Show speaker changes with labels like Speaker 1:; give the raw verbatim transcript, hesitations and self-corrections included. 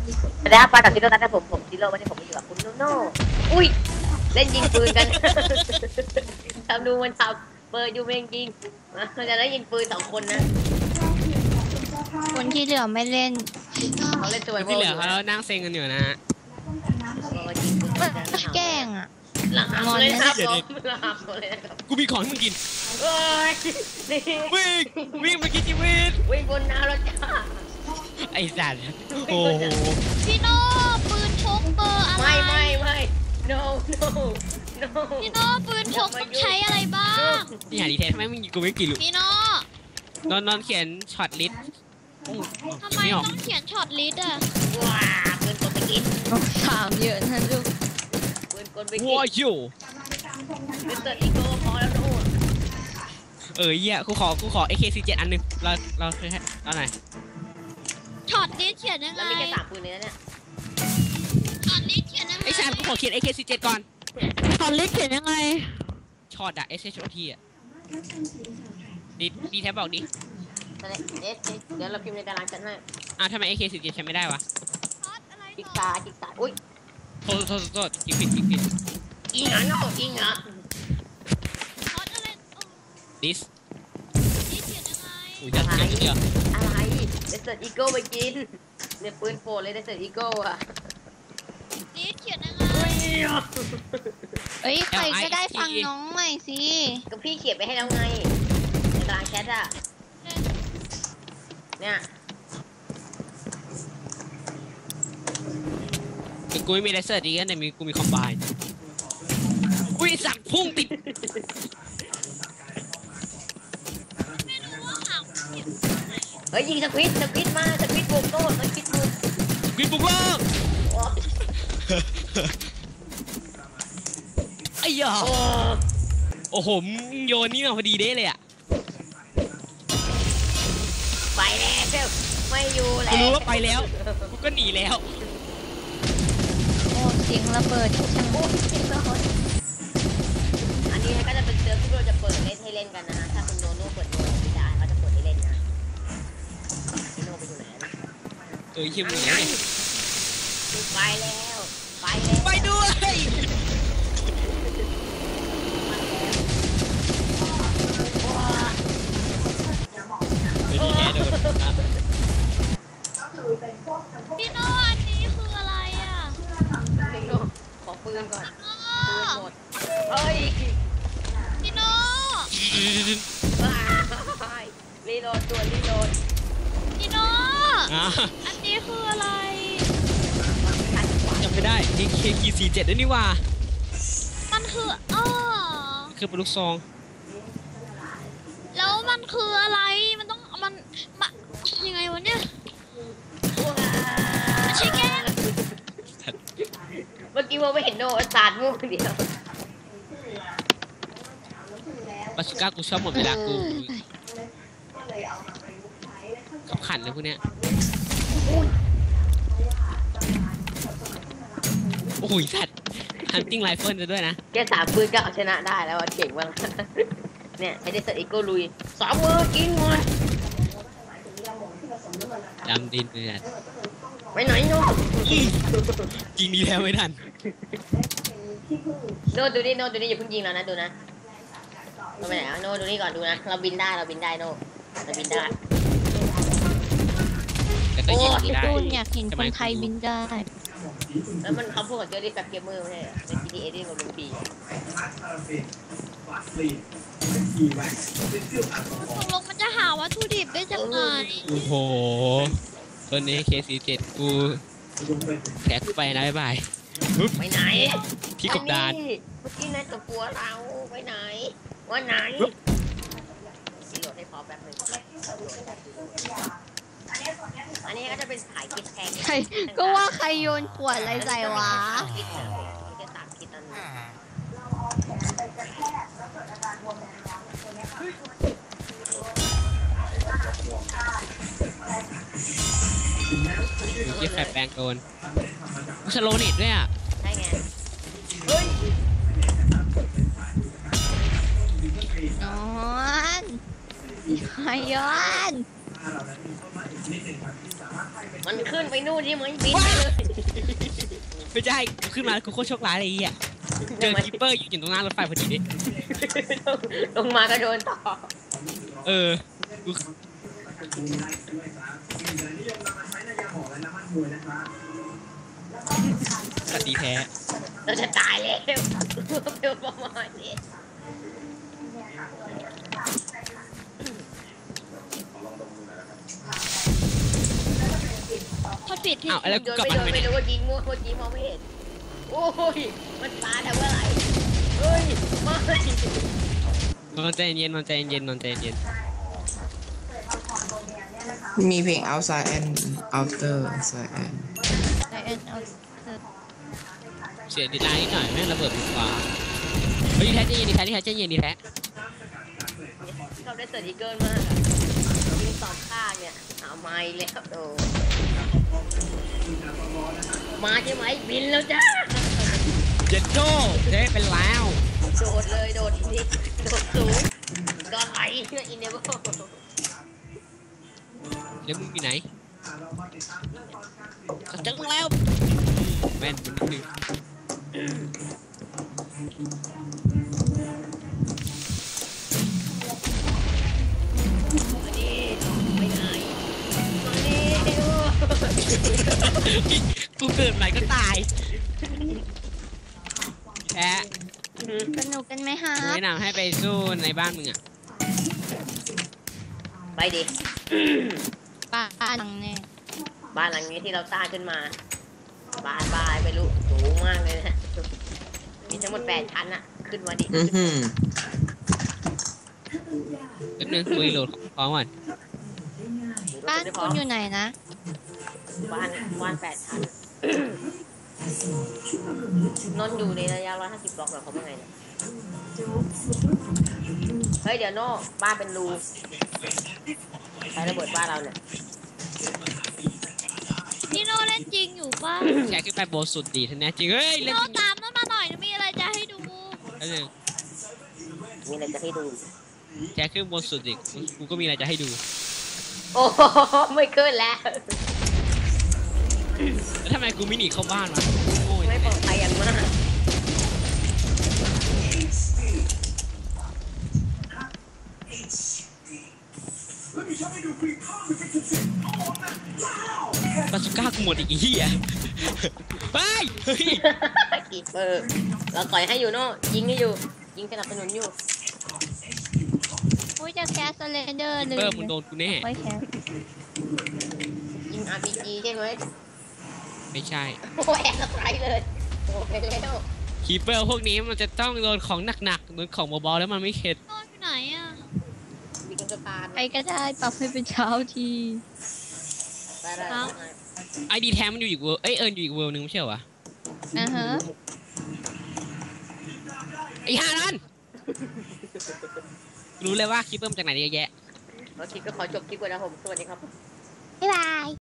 Speaker 1: แต่ถ้าปากับซิโร่ตัดแต่ผมผมซิโร่ไม่ได้ผมไม่อยู่กับคุณโนโน่อุ้ยเล่นยิงปืนกันทำดูมันทำเปิดอยู่เองยิงมันจะได้ยิงปืนสองคนนะ
Speaker 2: คนที่เหลือไม่เล่น
Speaker 1: เขาเล่นตัว
Speaker 3: ที่เหลือเขานั่งเซ็งกันอยู่นะฮะ
Speaker 2: แกล้งอ่ะ
Speaker 1: หลังงอนเลยครับผมหลังเลยครับ
Speaker 3: กูมีของให้มึงกิน
Speaker 1: เฮ้ยนี่
Speaker 3: วิ่งวิ่งมากินชีวิต
Speaker 1: วิ่งบนน้ำแล้วจ้า
Speaker 3: ไอ้สัตว์โอ้
Speaker 2: พี่โน่ปืนพกเบอร์อะไร
Speaker 1: ไม่ไม่ไม่ no no no
Speaker 2: พี่โน่ปืนพกต้องใช้อะไรบ้าง
Speaker 3: นี่หาดีแท้ทำไมมึงกูไม่กินลูก
Speaker 2: พี่โน่
Speaker 3: นอนนอนเขียนช็อตลิสต์
Speaker 2: ทำไมต้องเขียนช็อตลิสต์อ่ะ
Speaker 1: ว้าปืนกลไปกิน
Speaker 2: ถามเยอะนะลูก
Speaker 1: ปืนกลไปกิน
Speaker 3: ว้าอยู่
Speaker 1: มิสเตอร์อีโก้พอแล้วนู่น
Speaker 3: เออเหี้ยกูขอกูขอ เอ เค สี่สิบเจ็ด อันหนึ่งเราเราเคยให้เอาไหน
Speaker 2: ช็อตลิสต์เขียนยังไง
Speaker 1: แล้วมีแค่สามปืนนี้เนี่ย
Speaker 2: ช็อตลิสต์เขียนยังไง
Speaker 3: ไอ้ชากูขอเขียน เอ เค สี่สิบเจ็ด ก่อน
Speaker 2: ช็อตลิสต์เขียนยังไง
Speaker 3: ช็อตอะ เอส เอช โอ ที อะดีดีแทบบอกดิ
Speaker 1: เดี๋ยวเดี๋ยวเราพิมพ์ในตารางฉันให้
Speaker 3: อ้าวทำไม เอ เค สี่สิบเจ็ด ใช้ไม่ได้วะ
Speaker 1: จิกตาจิกตาอุ้ย
Speaker 3: โทษโทษโทษจิกผิดจิกผิด
Speaker 1: อิงอ่ะโน่อิงอ่ะ
Speaker 3: ดิส
Speaker 2: ดิสเขียนยังไง
Speaker 3: อุ้ยจะเขียนเดียว
Speaker 1: อะไรเดสเซอร์อีโก้ไปกินเนี่ยปืนโปรเลยเดสเซอร์อีโก้อะ
Speaker 2: ดิสเขียนยังไงเอ้ยใครก็ได้ฟังน้องใหม่สิ
Speaker 1: ก็พี่เขียนไปให้แล้วไงในตารางแชทอะเนี่ย
Speaker 3: กูไม่มีเลเซอร์ดีกันแต่มีกูมีคอมไบน์อุ้ยสักพุ่งติด
Speaker 1: เฮ้ยยิงสควิดสควิดมาสควิดบุกโต้สควิดบุก
Speaker 3: สควิดบุกว่าไอ้ยาโอ้โหโยนนี่มาพอดีเด้เลยอะ
Speaker 1: ไปแล้วไม่อยู่แล้ว
Speaker 3: กูรู้ว่าไปแล้วกูก็หนีแล้ว
Speaker 2: โอ้เสียงระเบิดช่างโอ้
Speaker 1: เสียงระเบิดอันนี้ก็จะเป็นเซิร์ฟที่เราจะเปิดเล่นให้เล่นกันนะถ้าคุณโนโน่เปิดโนไม่ได้เขาจะเปิดให้เล่นนะพี่โนไปอยู่ไหน
Speaker 3: เออคิวหนีเนี่ย
Speaker 1: ไปแล้วไปแล้ว
Speaker 3: ไปด้วยไปดีแน่โดน
Speaker 2: พี่โน่อันนี้คืออะไรอ่ะ
Speaker 1: พี่โน่ขอปืนก่อนปืนหมดเฮ้ย
Speaker 2: พี่โน่
Speaker 1: รีโหลดตัวรีโหลด
Speaker 2: พี่โน่อันนี้คืออะไร
Speaker 3: จำไม่ได้ เอ เค สี่สิบเจ็ด ด้วยนี่ว่า
Speaker 2: มันคืออ้อ
Speaker 3: คือปืนลูกซอง
Speaker 2: แล้วมันคืออะไรมันต้องมันมายังไงวะเนี่ยไม่ใช่แก
Speaker 1: เมื่อกี้ว่าไม่เห็นโนสาดมุกเดียว
Speaker 3: บาสุก้ากูชอบหมดเวลากูขับขันเลยพวกเนี้ยโอ้ยสัตว์ฮันติ้งไรเฟิลจะด้วยนะ
Speaker 1: แค่สามปืนก็เอาชนะได้แล้วเก่งมากเนี่ยไม่ได้เซตอีโก้ลุยสองมือกินหมด
Speaker 3: ดำดินเลย
Speaker 1: ไปไหนโน่
Speaker 3: ยิงดีแล้วไม่ทัน
Speaker 1: โน่ดูนี่โน่ดูนี่อย่าเพิ่งยิงแล้วนะดูนะเราไปไหนโน่ดูนี่ก่อนดูนะเราบินได้เราบินได้โน่เราบินได้
Speaker 3: แต่ก็ยิงไม่ได้
Speaker 2: อยากเห็นคนไทยบินได้
Speaker 1: แล้วมันเขาพูดกับเจอรี่แฟบเกมเมอร์ไม่ใช่ใน จี ที เอ ที่มันเป็นปี
Speaker 2: ตกลงมันจะหาวัตถุดิบได้จากไหน
Speaker 3: โอ้โหตัวนี้ เค สี่สิบเจ็ด กูแขกไปนะบ๊ายบาย
Speaker 1: ไปไหน
Speaker 3: ที่กบดาน
Speaker 1: เมื่อกี้นายตะกัวเราไปไหนว่าไหนรีโหลดให้พอแป๊บนึงอันนี้ก็จะเป็นสายคิดแทง
Speaker 2: ใครก็ว่าใครโยนขวดอะไรใส่วะ
Speaker 1: จะสามคิดตอนนี้
Speaker 3: ยี่แฝดแปลงโดนสโลนิดด้วยอ่ะ
Speaker 1: ใช่ไงเฮ้ย
Speaker 2: นอนใครย้อน
Speaker 1: มันขึ้นไปนู่นที่มันบินไปเลย
Speaker 3: ไม่ใช่กูขึ้นมากูโคตรโชคร้ายเลยไอ้เหี้ยเจอคีปเปอร์อยู่ตรงหน้ารถไฟพอดีดิ
Speaker 1: ลงมาก็โดนต่อ
Speaker 3: เออกูสตีแพ้
Speaker 1: เราจะตายแล้วเร็วประมาณนี้
Speaker 2: พอปิดที่
Speaker 3: อ้าวแล้วกู
Speaker 1: โดน
Speaker 3: กลับ
Speaker 1: ไม่
Speaker 3: มา
Speaker 1: โดน
Speaker 3: ทำไม
Speaker 1: ไม่
Speaker 3: เนี่ย
Speaker 1: รู้ว่ายิงมั่วว่ายิงมองไม่เห็นโอ้ยมันปาแต่ว่าอะไรเฮ้ยไม่
Speaker 3: นอนใจเย็นนอนใจเย็นนอนใจเย็น
Speaker 4: มีเพลง outside and outer outside and
Speaker 2: ไอเอ็นเอา
Speaker 3: เสียดีไลน์นิดหน่อยแม่งระเบิดบนฟ้าเฮ้ยดีแท้ใจเย็นดีแท้ดีแท้ใจเย็นดีแท้
Speaker 1: ชอบได้เสิร์ฟอีเกิลมากยิงสองข้างเนี่ยเอาไม้แล้วโดมาใช่ไหมบินแล้วจ้า
Speaker 3: เจ็ดโจ้เจ๊เป็นแล้ว
Speaker 1: โดดเลยโดดนี่โดดสูงก็ไหลอินเนเวอร์
Speaker 3: แล้วมึงอยู่ไหนก็เจอมึงแล้วแม่นนิดนึง
Speaker 1: มาดิไปไหนมาดิ
Speaker 3: กูเกิดใหม่ก็ตายแพ้
Speaker 2: สนุกกันไหมฮะ
Speaker 3: แนะนำให้ไปสู้ในบ้านมึงอ่ะ
Speaker 1: ไปดิ
Speaker 2: ป่าหนังเนี่ย
Speaker 1: บ้านหลังนี้ที่เราสร้างขึ้นมาบ้านบ้านไม่รู้สูงมากเลยนะมีทั้งหมดแปดชั้นอะขึ้นมาดิ
Speaker 4: อือหือ
Speaker 3: แป๊บนึงกูรีโหลดพร้อมก่อน
Speaker 2: บ้านคุณอยู่ไหนนะ
Speaker 1: บ้านบ้านแปดชั้นนอนอยู่ในระยะร้อยห้าสิบบล็อกเหรอเขาเป็นไงเนี่ยเฮ้ยเดี๋ยวโน่บ้านเป็นรูใช้ระเบิดบ้านเราเนี่ย
Speaker 2: พี่โนเล่นจริงอยู่ป่ะ
Speaker 3: แชร์ขึ้นไปโบนสุดดีท่านแน่จริงเฮ้ย
Speaker 2: พี่
Speaker 3: เล่น
Speaker 2: โน
Speaker 3: จริง
Speaker 2: ตามนั่นมาหน่อยมีอะไรจะให้ดู
Speaker 3: แป๊บนึง
Speaker 1: มีอะไรจะให้ดู
Speaker 3: แชร์ขึ้นบนสุดดิกูก็มีอะไรจะให้ดู
Speaker 1: โอ้โหไม่ขึ้นแล้ว
Speaker 3: แล้วทำไมกูไม่หนีเข้าบ้านวะโง่ย
Speaker 1: ไม่ปลอดภัยอย่างมาก
Speaker 3: บาสุก้ากูหมดอีกไอ้เหี้ยเฮ้ยเฮ้ย
Speaker 1: กีเปอร์เราต่อยให้อยู่โน่ยิงให้อยู่ ยิงสนับสนุนอยู่
Speaker 2: อุ้ยจะแคสเลนเดอร์เลย
Speaker 3: เพิ่มมึงโดนกูแน่
Speaker 2: ไว้แคส
Speaker 1: ยิง อาร์ พี จี ใช่ไหม
Speaker 3: ไม่ใช่
Speaker 1: โอ้แอบสไตร์เลยโอ้ไปแล้ว
Speaker 3: คีเปอร์พวกนี้มันจะต้องโดนของหนักๆโดนของเบาๆแล้วมันไม่เข็ด
Speaker 2: โนอยู่ไหนอ่ะ
Speaker 1: มีกันสะพาน
Speaker 2: ใครก็ได้ปรับให้เป็นเช้าที
Speaker 1: ได้ได้
Speaker 2: ครับ
Speaker 3: ไอดีแท้มันอยู่อีกเวอร์เอ้ยเอิญอยู่อีกเวอร์นึงไม่ใช่เหรอวะ
Speaker 2: อ่าฮะ
Speaker 3: ไอ้ห่านั่นรู้เลยว่าคีเปอร์มาจากไหนเยอะแยะ
Speaker 1: แล้วคลิปก็ขอจบคลิปก่อนนะผม สวัสดีครับ
Speaker 2: บ๊ายบาย